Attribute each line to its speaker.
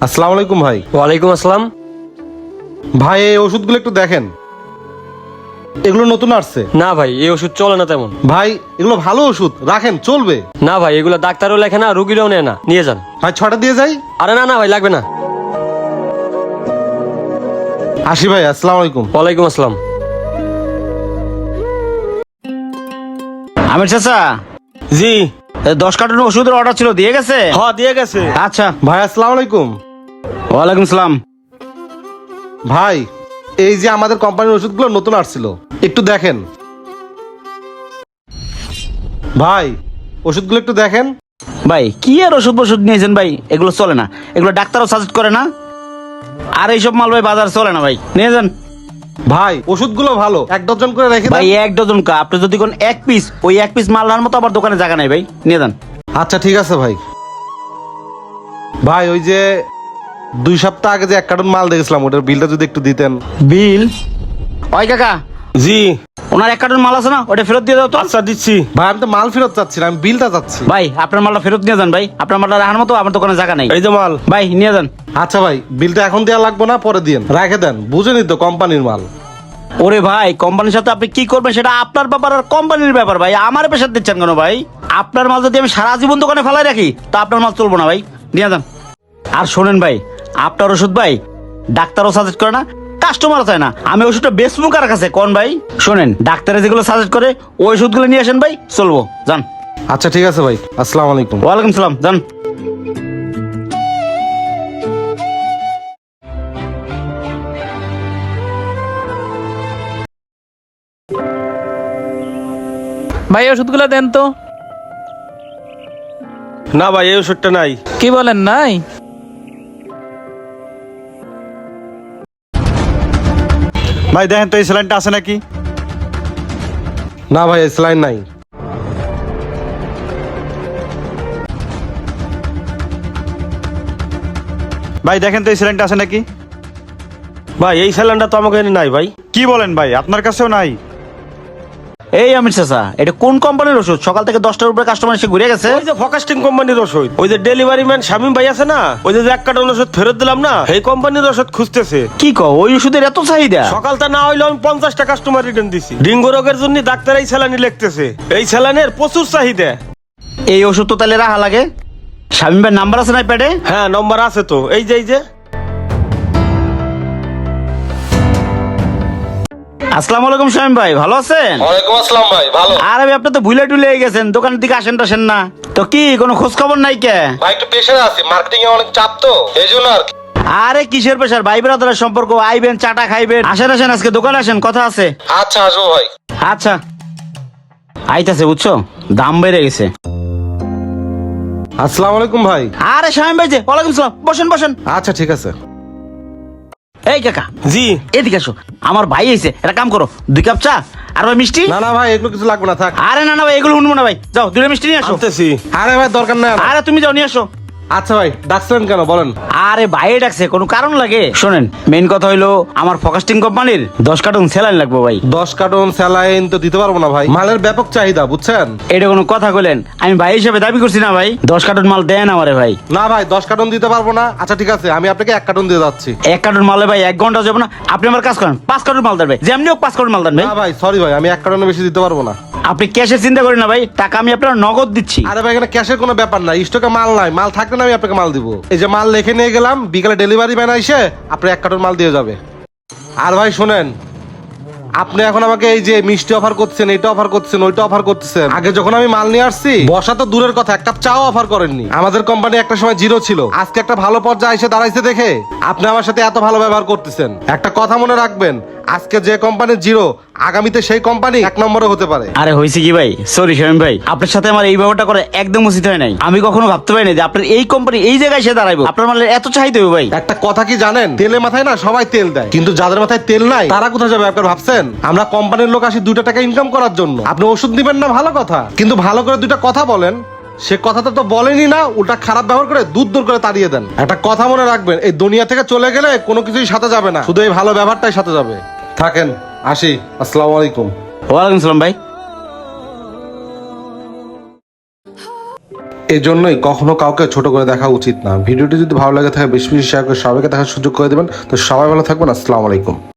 Speaker 1: আসসালামু আলাইকুম ভাই।
Speaker 2: ওয়ালাইকুম আসসালাম।
Speaker 1: ভাই এই ওষুধগুলো একটু দেখেন, এগুলো নতুন আসছে।
Speaker 2: না ভাই, এই ওষুধ চলে না তেমন।
Speaker 1: ভাই এগুলো ভালো ওষুধ, রাখেন চলবে।
Speaker 2: না ভাই, এগুলো ডাক্তারও লেখে না, রুগীরাও নেয় না, নিয়ে যান।
Speaker 1: ভাই 6টা দিয়ে যাই।
Speaker 2: আরে না না ভাই, লাগবে না।
Speaker 1: আসি ভাই, আসসালামু আলাইকুম।
Speaker 2: ওয়ালাইকুম আসসালাম।
Speaker 3: আমির চাচা,
Speaker 2: জি।
Speaker 3: 10 কার্টুন ওষুধের অর্ডার ছিল, দিয়ে গেছে?
Speaker 2: হ্যাঁ দিয়ে গেছে।
Speaker 3: আচ্ছা।
Speaker 1: ভাই আসসালামু আলাইকুম।
Speaker 3: ওয়ালাইকুম সালাম।
Speaker 1: ভাই এই যে আমাদের কোম্পানির ওষুধগুলো নতুন আসছিল, একটু দেখেন। ভাই ওষুধগুলো একটু দেখেন।
Speaker 3: ভাই কি আর ওষুধ নিয়েছেন ভাই, এগুলো চলে না, এগুলো ডাক্তারও সাজেস্ট করে না। আর এইসব মাল ভাই বাজার চলে না ভাই, নিয়ে যান।
Speaker 1: ভাই ওষুধগুলো ভালো, 1 ডজন করে রেখে
Speaker 3: ভাই
Speaker 1: দেন।
Speaker 3: 1 ডজন কা, আপনি যদি কোন 1 পিস, ওই 1 পিস মাল নেওয়ার মতো আবার দোকানে জায়গা নাই ভাই, নিয়ে যান।
Speaker 1: আচ্ছা ঠিক আছে ভাই। ভাই ওই যে 2 সপ্তাহ আগে যে 1 কার্টন মাল দেখেছিলাম, ওটার বিলটা যদি একটু দিতেন।
Speaker 3: বিল? ওই কাকা,
Speaker 2: জি।
Speaker 3: ওনার 1 কার্টন মাল আছে না, ওটা ফেরত দিয়ে দাও তো।
Speaker 2: আচ্ছা দিচ্ছি।
Speaker 1: ভাই আমি তো মাল ফেরত চাচ্ছি না, আমি বিলটা চাচ্ছি।
Speaker 3: ভাই আপনার মালটা ফেরত নিয়ে যান ভাই, আপনার মালটা রাখার মতো আমার দোকানে জায়গা নাই।
Speaker 2: এই যে মাল।
Speaker 3: ভাই নিয়ে যান।
Speaker 1: আচ্ছা ভাই, বিলটা এখন দেওয়া লাগবে না, পরে দিন, রেখে দেন, বুঝেনি তো কোম্পানির মাল।
Speaker 3: ওরে ভাই, কোম্পানির সাথে আপনি কি করবেন সেটা আপনার ব্যাপার আর কোম্পানির ব্যাপার ভাই, আমার পেশার দিচ্ছেন কেন ভাই? আপনার মাল যদি আমি সারা জীবন দোকানে ফেলাই রাখি তা আপনার মাল চলবো না ভাই, নিয়ে যান। আর শোনেন ভাই, আপনার ওষুধ ভাই ডাক্তারও সাজেস্ট করে না, কাস্টমারও চায় না, আমি ওষুধটা বেচবো কার কাছে কোন ভাই? শোনেন, ডাক্তারে যেগুলো সাজেস্ট করে ওই ওষুধগুলো নিয়ে আসেন ভাই, চলবো, যান।
Speaker 1: আচ্ছা ঠিক আছে ভাই, আসসালামু আলাইকুম।
Speaker 3: ওয়ালাইকুম সালাম, যান।
Speaker 4: ভাই ওষুধগুলো দেন তো।
Speaker 2: না ভাই, এই ওষুধটা নাই।
Speaker 4: কি বলেন নাই?
Speaker 5: ভাই দেখেন তো এই স্যালাইনটা আছে নাকি?
Speaker 1: না ভাই, স্যালাইন নাই।
Speaker 5: ভাই দেখেন তো এই স্যালাইনটা আছে নাকি?
Speaker 2: ভাই এই স্যালাইনটা তো আমাকে এনে নাই ভাই।
Speaker 5: কি বলেন ভাই, আপনার কাছেও নাই?
Speaker 3: এই আমির চাচা, এটা কোন কোম্পানির ওষুধ? সকাল থেকে 10টার উপরে কাস্টমার এসে ঘুরে গেছে।
Speaker 2: ওই যে ফোকাস্টিং কোম্পানির ওষুধ, ওই যে ডেলিভারি ম্যান শামিম ভাই আছে না, ওই যে 1 কার্টন ওষুধ ফেরত দিলাম না, এই কোম্পানির ওষুধ খুঁজতেছে।
Speaker 3: কি কও, ওই ওষুধের এত চাহিদা?
Speaker 2: সকালটা না হইলে আমি 50টা কাস্টমার রিটার্ন দিছি। ডেঙ্গু রোগের জন্য ডাক্তার এই স্যালাইন লিখতেছে, এই স্যালাইনের প্রচুর চাহিদা।
Speaker 3: এই ওষুধ তো তাহলে রাখা লাগে। শামিম ভাইয়ের নাম্বার আছে না প্যাডে?
Speaker 2: হ্যাঁ নম্বর আছে তো, এই যে
Speaker 3: আসসালামু আলাইকুম শামিম ভাই, ভালো আছেন?
Speaker 1: ওয়ালাইকুম আসসালাম ভাই, ভালো।
Speaker 3: আরে ভাই, আপনি তো ভুলে টুলে গেছেন, দোকানের দিকে আসেন টাসেন না তো, কি কোনো খোঁজ খবর নাই কে?
Speaker 1: ভাই একটু প্রেশারে আছি, মার্কেটিং এ অনেক চাপ তো, এইজন্য আর কি।
Speaker 3: আরে কিসের পেশার, ভাই ব্রাদারের সম্পর্ক, আইবেন চাটা খাইবেন, আসেন আসেন, আজকে দোকানে আসেন, কথা আছে।
Speaker 1: আচ্ছা আসবো ভাই।
Speaker 3: আচ্ছা আইতাছে, বুঝছো, দাম বেড়ে গেছে।
Speaker 1: আসসালামু আলাইকুম ভাই।
Speaker 3: আরে শামিম ভাই যে, ওয়ালাইকুম সালাম, বসেন বসেন।
Speaker 1: আচ্ছা ঠিক আছে।
Speaker 3: এই কাকা,
Speaker 2: জি।
Speaker 3: এদিকে আসো, আমার ভাই এসে, একটা কাম করো, 2 কাপ চা আর ভাই মিষ্টি।
Speaker 1: না না ভাই, এগুলো কিছু লাগবে না, থাক।
Speaker 3: আরে না না ভাই, এগুলো শুনবো না ভাই, যাও 2টা মিষ্টি নিয়ে আসো।
Speaker 2: আনতেছি।
Speaker 1: আরে ভাই দরকার নাই আমার।
Speaker 3: আরে তুমি যাও, নিয়ে আসো।
Speaker 1: আচ্ছা ভাই, ডাকছিলেন কেন বলেন?
Speaker 3: আরে বাইরে ডাকছে, কোনো কারণ লাগে? শোনেন, মেইন কথা হইলো আমার ফোকাস্টিং কোম্পানির 10 কার্টন স্যালাইন লাগবে ভাই।
Speaker 1: 10 কার্টন স্যালাইন তো দিতে পারবো না ভাই, মালের ব্যাপক চাহিদা, বুঝছেন?
Speaker 3: এটা কোনো কথা কইলেন? আমি ভাই হিসেবে দাবি করছি না ভাই, 10 কার্টন মাল দেন আমারে ভাই।
Speaker 1: না ভাই, 10 কার্টন দিতে পারবো না। আচ্ছা ঠিক আছে, আমি আপনাকে 1 কার্টন দিয়ে যাচ্ছি।
Speaker 3: 1 কার্টন মালে ভাই 1 ঘন্টা যাবে না, আপনি আমার কাজ করেন, 5 কার্টন মাল দেন ভাই, যেমনি হোক 5 কার্টন মাল দেন ভাই।
Speaker 1: না ভাই সরি ভাই, আমি 1 কার্টনের বেশি দিতে পারবো না।
Speaker 3: আপনি ক্যাশের চিন্তা করেন না ভাই, টাকা আমি আপনার নগদ দিচ্ছি।
Speaker 1: আরে ভাই এখানে ক্যাশের কোনো ব্যাপার নাই, স্টকে মাল নাই, মাল থাকলে না আমি আপনাকে মাল দিব। এই যে মাল লিখে নিয়ে গেলাম, বিকালে ডেলিভারি ম্যান এসে আপনি 1 কার্টন মাল দিয়ে যাবে। আর ভাই শোনেন, আপনি এখন আমাকে এই যে মিষ্টি অফার করছেন, এটা অফার করছেন, ওইটা অফার করতেছেন। আগে যখন আমি মাল নিয়ে আসছি, বসা তো দূরের কথা, 1 কাপ চাও অফার করেননি। আমাদের কোম্পানি একটা সময় 0 ছিল, আজকে একটা ভালো পর্যায়ে এসে দাঁড়াইছে দেখে আপনি আমার সাথে এত ভালো ব্যবহার করতেছেন। একটা কথা মনে রাখবেন, আজকে যে কোম্পানি 0, আগামীতে সেই কোম্পানি 1 নম্বরে হতে পারে।
Speaker 3: আরে হয়েছে কি ভাই, সরি শামিম ভাই, আপনার সাথে আমার এই ব্যাপারটা করে একদম উচিত হয় নাই। আমি কখনো ভাবতে পারিনি যে আপনার এই কোম্পানি এই জায়গায় এসে দাঁড়াইবো, আপনার মালের এত চাহিদা হবে ভাই।
Speaker 1: একটা কথা কি জানেন, তেলে মাথায় না সবাই তেল দেয়, কিন্তু যাদের মাথায় তেল নাই তারা কোথায় যাবে আপনার ভাবছেন? আমরা কোম্পানির লোক আসি 2টা টাকা ইনকাম করার জন্য। আপনি ওষুধ দিবেন না ভালো কথা, কিন্তু ভালো করে 2টা কথা বলেন, সে কথাটা তো বলেনই না, উল্টা খারাপ ব্যবহার করে দূর দূর করে তাড়িয়ে দেন। একটা কথা মনে রাখবেন, এই দুনিয়া থেকে চলে গেলে কোনো কিছুই সাথে যাবে না, শুধু এই ভালো ব্যবহারটাই সাথে যাবে। থাকেন, আসি, আসসালামু আলাইকুম।
Speaker 3: ওয়ালাইকুম সালাম ভাই।
Speaker 1: এজন্যই কখনো কাউকে ছোট করে দেখা উচিত না। ভিডিওটি যদি ভালো লাগে থাকে বেশি বেশি শেয়ার করে সবাইকে দেখার সুযোগ করে দেবেন। তো সবাই ভালো থাকবেন। আসসালামু আলাইকুম।